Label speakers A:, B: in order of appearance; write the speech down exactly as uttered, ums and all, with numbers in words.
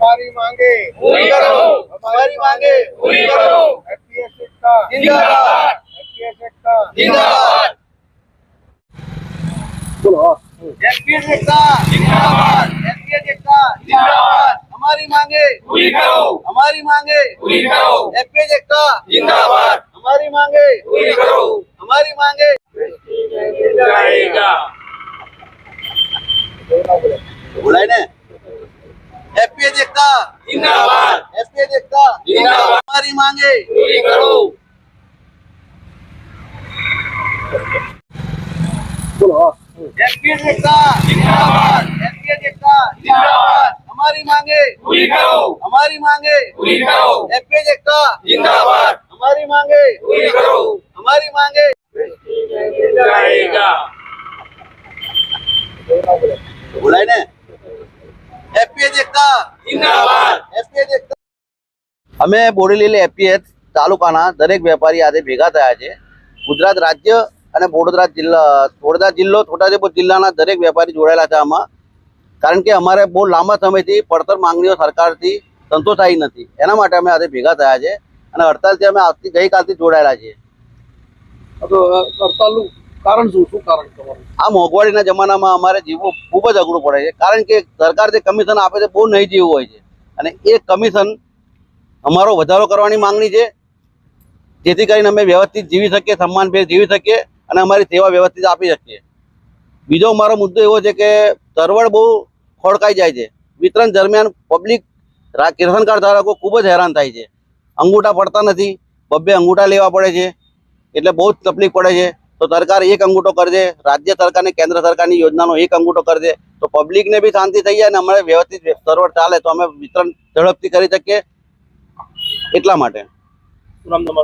A: हमारी मांगे
B: पूरी करो,
A: हमारी मांगे
B: पूरी करो,
A: एफपीएस एकता
B: जिंदाबाद,
A: एफपीएस एकता
B: जिंदाबाद,
A: बोलो
B: एफपीएस एकता जिंदाबाद, एफपीएस एकता जिंदाबाद, हमारी मांगे पूरी करो, हमारी मांगे पूरी करो, एफपीएस एकता जिंदाबाद, हमारी मांगे पूरी करो, हमारी मांगे जाएगा। बोला ने एफपीएस एकता जिंदाबाद, एफपीएस एकता जिंदाबाद, हमारी मांगे पूरी करो।
A: बोलो
B: एफपीएस एकता जिंदाबाद, एफपीएस एकता जिंदाबाद, हमारी मांगे पूरी करो, हमारी मांगे पूरी करो, एफपीएस एकता जिंदाबाद, हमारी मांगे पूरी करो, हमारी मांगे जाएगा। बोला ने एफपीएस एकता जिंदाबाद, एफपीएस एकता અમે બોડેલી એફપીએસ તાલુકાના દરેક વેપારી આજે ભેગા થયા છે। ગુજરાત રાજ્ય અને વડોદરા જિલ્લા વડોદરા જિલ્લો છોટાઉદેપુર જિલ્લાના દરેક વેપારી જોડાયેલા છે આમાં, કારણ કે અમારે બહુ લાંબા સમયથી પડતર માંગણીઓ સરકારથી સંતોષાઈ નથી, એના માટે અમે આજે ભેગા થયા છે અને હડતાલથી અમે આજથી ગઈકાલથી જોડાયેલા છીએ।
A: હડતાલનું કારણ શું શું કારણ તમારું?
B: આ મોંઘવારીના જમાનામાં અમારે જીવવું ખૂબ જ અઘરું પડે છે, કારણ કે સરકાર જે કમિશન આપે છે બહુ નહીં જીવવું હોય છે અને એ કમિશન અમારો વધારો કરવાની માંગણી છે, જેથી કરીને અમે વ્યવસ્થિત જીવી શકીએ, સન્માનભેર જીવી શકીએ અને અમારી સેવા વ્યવસ્થિત આપી શકીએ। બીજો મારો મુદ્દો એવો છે કે સર્વર બહુ ખોડકાઈ જાય છે, વિતરણ દરમિયાન પબ્લિક રેશન કાર્ડ ધારકો ખૂબ જ હેરાન થાય છે, અંગૂઠા પડતા નથી, બબ્બે અંગૂઠા લેવા પડે છે, એટલે બહુ જ તકલીફ પડે છે। તો સરકાર એક અંગૂઠો કરજે, રાજ્ય સરકારની કેન્દ્ર સરકારની યોજનાનો એક અંગૂઠો કરજે તો પબ્લિકને બી શાંતિ થઈ જાય અને અમારે વ્યવસ્થિત સર્વર ચાલે તો અમે વિતરણ ઝડપથી કરી શકીએ, એટલા માટે।